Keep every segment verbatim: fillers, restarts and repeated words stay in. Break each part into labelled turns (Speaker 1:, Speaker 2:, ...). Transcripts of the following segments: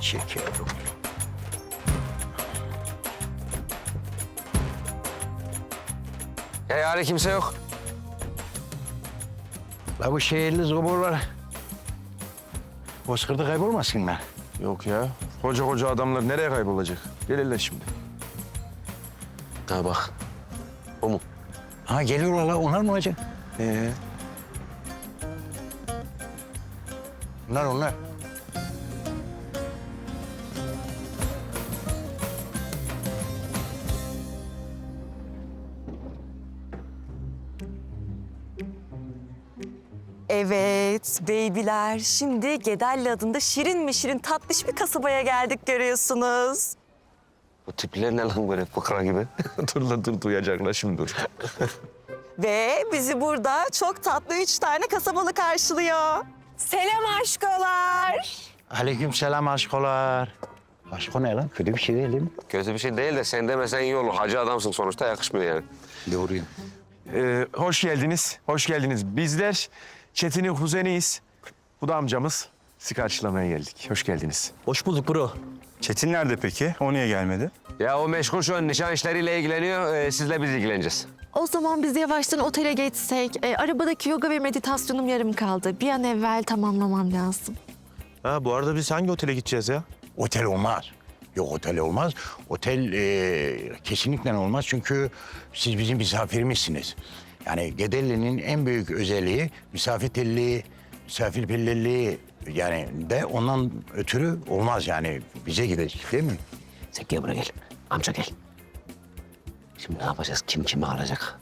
Speaker 1: Çekiyorum.
Speaker 2: Ya yani kimse yok.
Speaker 1: La bu şehirli zoborlar bozkırda kaybolmasınlar.
Speaker 3: Yok ya. Koca koca adamlar nereye kaybolacak? Gelirler şimdi.
Speaker 2: Ha bak. O mu?
Speaker 1: Ha geliyorlar la, onlar mı olacak?
Speaker 3: Ee,
Speaker 1: Onlar onlar.
Speaker 4: Evet, beybiler. Şimdi Gedelli adında şirin mi şirin tatlış bir kasabaya geldik görüyorsunuz.
Speaker 2: Bu tipler ne lan böyle fıkra gibi?
Speaker 3: dur lan dur duyacaklar şimdi dur.
Speaker 4: Ve bizi burada çok tatlı üç tane kasabalı karşılıyor. Selam aşkolar.
Speaker 1: Aleykümselam aşkolar. Aşko ne lan? Kötü bir şey değil değil mi?
Speaker 2: Kötü bir şey değil de sen demesen iyi olur. Hacı adamsın sonuçta, yakışmıyor yani.
Speaker 1: Doğruyum.
Speaker 3: Ee, hoş geldiniz. Hoş geldiniz. Bizler Çetin'in kuzeniyiz. Bu da amcamız. Sizi karşılamaya geldik. Hoş geldiniz.
Speaker 5: Hoş bulduk bro.
Speaker 6: Çetin nerede peki? O niye gelmedi?
Speaker 2: Ya o meşgul şu an nişan işleriyle ilgileniyor. Ee, sizle biz ilgileneceğiz.
Speaker 7: O zaman biz yavaştan otele geçsek. E, arabadaki yoga ve meditasyonum yarım kaldı. Bir an evvel tamamlamam lazım.
Speaker 6: Ha bu arada biz hangi otele gideceğiz ya?
Speaker 1: Otel olmaz. Yok otel olmaz. Otel e, kesinlikle olmaz çünkü siz bizim misafirimizsiniz. Yani Gedelli'nin en büyük özelliği misafirperverliği, misafirperverliği yani de ondan ötürü olmaz yani bize gidecek değil mi?
Speaker 2: Sen gel buraya gel. Amca gel. Şimdi ne yapacağız? Kim kimi alacak?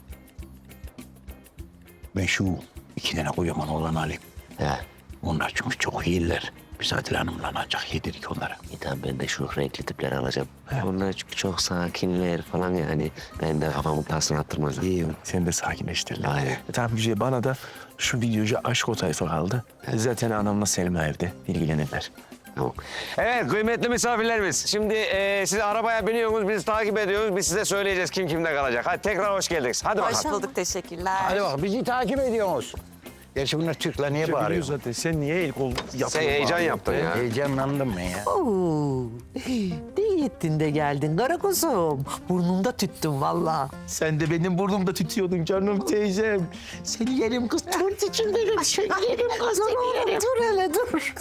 Speaker 1: Ben şu iki tane kocaman oğlan alayım.
Speaker 2: He.
Speaker 1: Onlar çünkü çok iyiler. Biz Adile Hanım'la ancak yedirdik onlara.
Speaker 2: İyi tamam, ben de şu renkli tipleri alacağım. Onlar çünkü çok sakinler falan yani. Ben de kafamın tasını attırmaz.
Speaker 3: İyi. Sen de sakinleştir lan.
Speaker 2: Aynen.
Speaker 3: E, tamam bir şey, bana da şu videocu aşk o tayfa kaldı. Zaten anamla Selma evde. İlgilenirler.
Speaker 2: Tamam. Evet kıymetli misafirlerimiz. Şimdi e, siz arabaya biniyorsunuz, biz takip ediyoruz. Biz size söyleyeceğiz kim kimde kalacak. Hadi tekrar hoş geldiniz. Hadi
Speaker 4: Hoş
Speaker 2: bakalım.
Speaker 4: bulduk, teşekkürler.
Speaker 1: Hadi bak bizi takip ediyorsunuz. Gerçi bunlar Türkler niye
Speaker 3: Biliyor
Speaker 1: bağırıyor?
Speaker 3: zaten. Sen niye el kol yapıyorsun?
Speaker 2: Sen heyecan yaptın ya.
Speaker 1: Heyecanlandım ben ya.
Speaker 5: Oo, ne ettin de geldin kara kuzum. Burnumda tüttün vallahi.
Speaker 3: Sen de benim burnumda tütüyordun canım teyzem.
Speaker 5: Seni yerim kız, turt için derim. Seni yerim kız, seni yerim. Dur hele dur.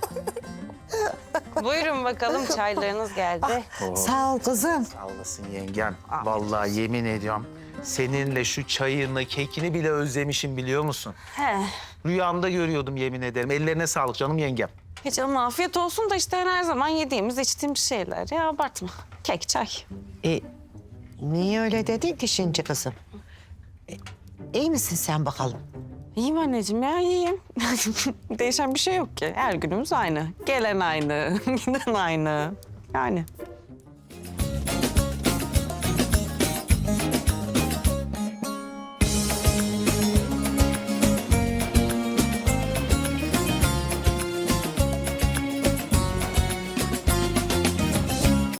Speaker 8: Buyurun bakalım, çaylarınız geldi.
Speaker 5: Sağ ol kızım.
Speaker 9: Sağ olasın yengem. Vallahi yemin ediyorum seninle şu çayını, kekini bile özlemişim biliyor musun?
Speaker 8: He.
Speaker 9: Rüyamda görüyordum yemin ederim. Ellerine sağlık canım yengem.
Speaker 8: Hiç canım afiyet olsun da işte her zaman yediğimiz, içtiğimiz şeyler. Ya abartma. Kek, çay.
Speaker 5: E, niye öyle dedin ki şimdi kızım? E, iyi misin sen bakalım?
Speaker 8: İyiyim anneciğim ya, iyiyim. Değişen bir şey yok ki. Her günümüz aynı. Gelen aynı, giden aynı. Yani.